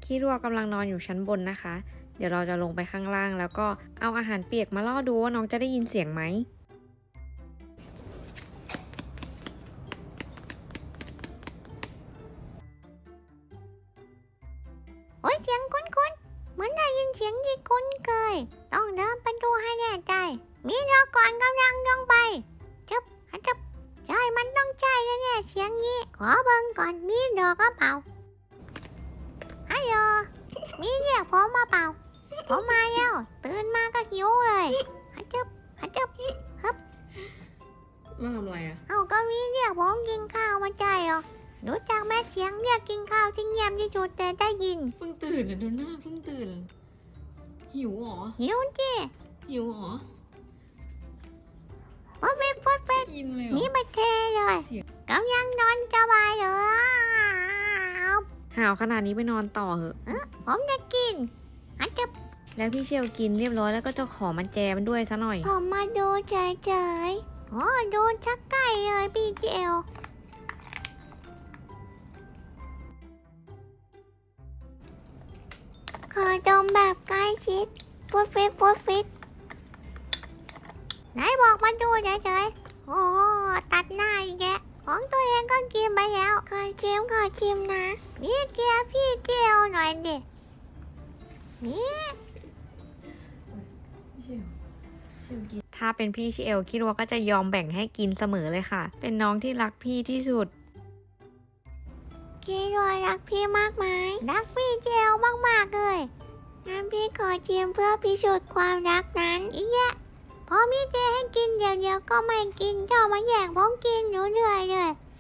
ขี้รัวกำลังนอนอยู่ชั้นบนนะคะเดี๋ยวเราจะลงไปข้างล่างแล้วก็เอาอาหารเปียกมาล่อดูว่าน้องจะได้ยินเสียงไหมโอ้ยเสียงคุ้นๆเหมือนได้ยินเสียงที่คุ้นเคยต้องเดินไปดูให้แน่ใจมีรอก่อนกำลังลงไปจับใช่มันต้องใช่แน่ๆเสียงนี้ขอเบิ่งก่อนมีดอกก็เปล่าฮัลโหลมีเรียกผมมาเปล่าผมมาแล้วตื่นมาก็หิวเลยฮัจจับฮึบมาทำอะไรอ่ะเอาก็มีเรียกผมกินข้าวมาใจเหรอรู้จักแม่เสียงเรียกกินข้าวที่เงียบที่สุดแต่ได้ยินเพิ่งตื่นนะดูหน้าเพิ่งตื่นหิวหรอหิวจีหิวหรอว่าเป็นกินเลยนี่มาเทเลยกำลังนอนสบายเลยหาวขนาดนี้ไปนอนต่อเหอะผมจะกินฮัจจับแล้วพี่เชลกินเรียบร้อยแล้วก็จะขอมันแจมันด้วยซะหน่อยผมมาดูเฉยๆโอ้ดูชักไก่เลยพี่เจลขอดมแบบใกล้ชิดฟุดฟิตไหนบอกมาดูเฉยๆโอ้ตัดหน้าอีกแกของตัวเองก็กินไปแล้วขอชิมนะนี่เกียร์พี่เจลหน่อยดินี่ถ้าเป็นพี่เชลคิดว่าก็จะยอมแบ่งให้กินเสมอเลยค่ะเป็นน้องที่รักพี่ที่สุดคิดว่ารักพี่มากไหมรักพี่เจลมากๆเลยงั้นพี่ขอชิมเพื่อพิสูจน์ความรักนั้นอีกแยะพอพี่เจให้กินเดี๋ยวก็ไม่กินเจ้ามาแย่งผมกินหนูเหนื่อยเลย